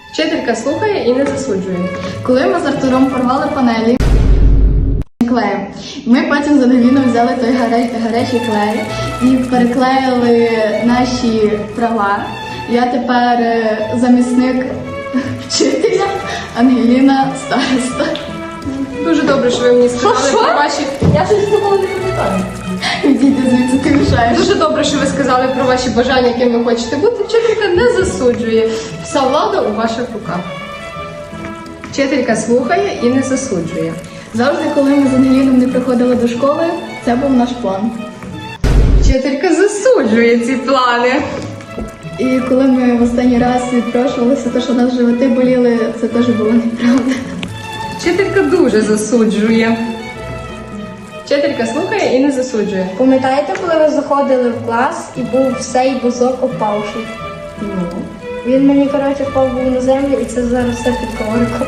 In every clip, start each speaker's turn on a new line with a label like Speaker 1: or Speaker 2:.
Speaker 1: Вчителька слухає і не засуджує.
Speaker 2: Коли ми з Артуром порвали панелі клеєм, ми потім з Ангеліною взяли той гарячий клей і переклеїли наші права. Я тепер замісник вчителя, Ангеліна староста.
Speaker 1: Дуже добре, що ви мені сказали про ваші...
Speaker 3: Я щось такого не пам'ятаю.
Speaker 2: Відійди звідси, ти мішаєш.
Speaker 1: Дуже добре, що ви сказали про ваші бажання, яким ви хочете бути. Вчителька не засуджує. Вся влада у ваших руках. Вчителька слухає і не засуджує.
Speaker 2: Завжди, коли ми з Ангеліном не приходили до школи, це був наш план.
Speaker 1: Вчителька засуджує ці плани.
Speaker 2: І коли ми в останній раз відпрошувалися, те, що у нас животи боліли, це теж було неправда.
Speaker 1: Вчителька дуже засуджує. Вчителька слухає і не засуджує.
Speaker 3: Пам'ятаєте, коли ви заходили в клас і був цей бузок опавший? Він мені, коротше, впав був на землю і це зараз все під ковриком.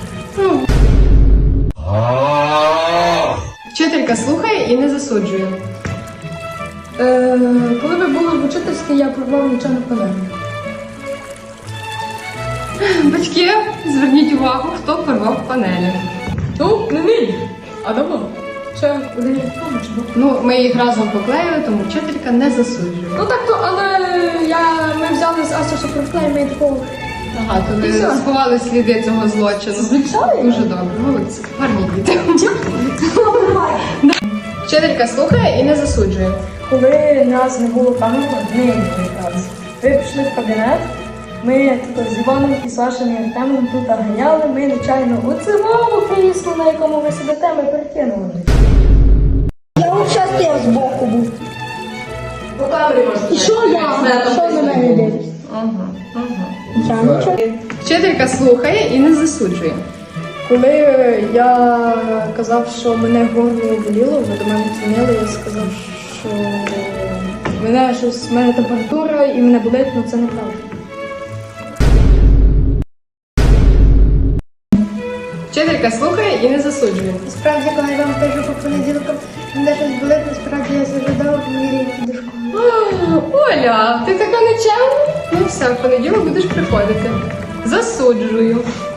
Speaker 1: Вчителька слухає і не засуджує.
Speaker 3: Коли ви були в учительській, я порвав нічого панелі.
Speaker 1: Батьки, зверніть увагу, хто порвав панелі.
Speaker 3: Ну, не він, а давно. Ще один чи був.
Speaker 1: Ну, ми їх разом поклеїли, тому вчителька не засуджує.
Speaker 3: Ну так то, але ми взяли з Асосу проклей, ми такого.
Speaker 1: Ага, то ви
Speaker 3: І все.
Speaker 1: сховали сліди цього злочину.
Speaker 3: Звичайно.
Speaker 1: Дуже добре, молодці. Гарні діти. Вчителька слухає і не засуджує.
Speaker 3: Коли нас не було пам'ятку, не якраз. Ви пішли в кабінет, ми тут з Іваном і Сашем і Артемом тут ганяли, ми нечайно у цивому крісло, на якому ви сидите, ми перекинули. Я взагалі стояв збоку був.
Speaker 1: По камері можна.
Speaker 3: І що я? Що на мене дивишся? Я нічого.
Speaker 1: Вчителька слухає і не засуджує.
Speaker 3: Коли я казав, що мене горло боліло, ви до мене дзвонили, я сказав, що в мене температура і мене болить, але це неправда.
Speaker 1: Вчителька слухає і не засуджує.
Speaker 4: Справді, коли я вам кажу по понеділкам, мене щось болить, насправді я зажадала, мені до школи.
Speaker 1: Оля, ти така нечемна? Ну все, в понеділок будеш приходити. Засуджую.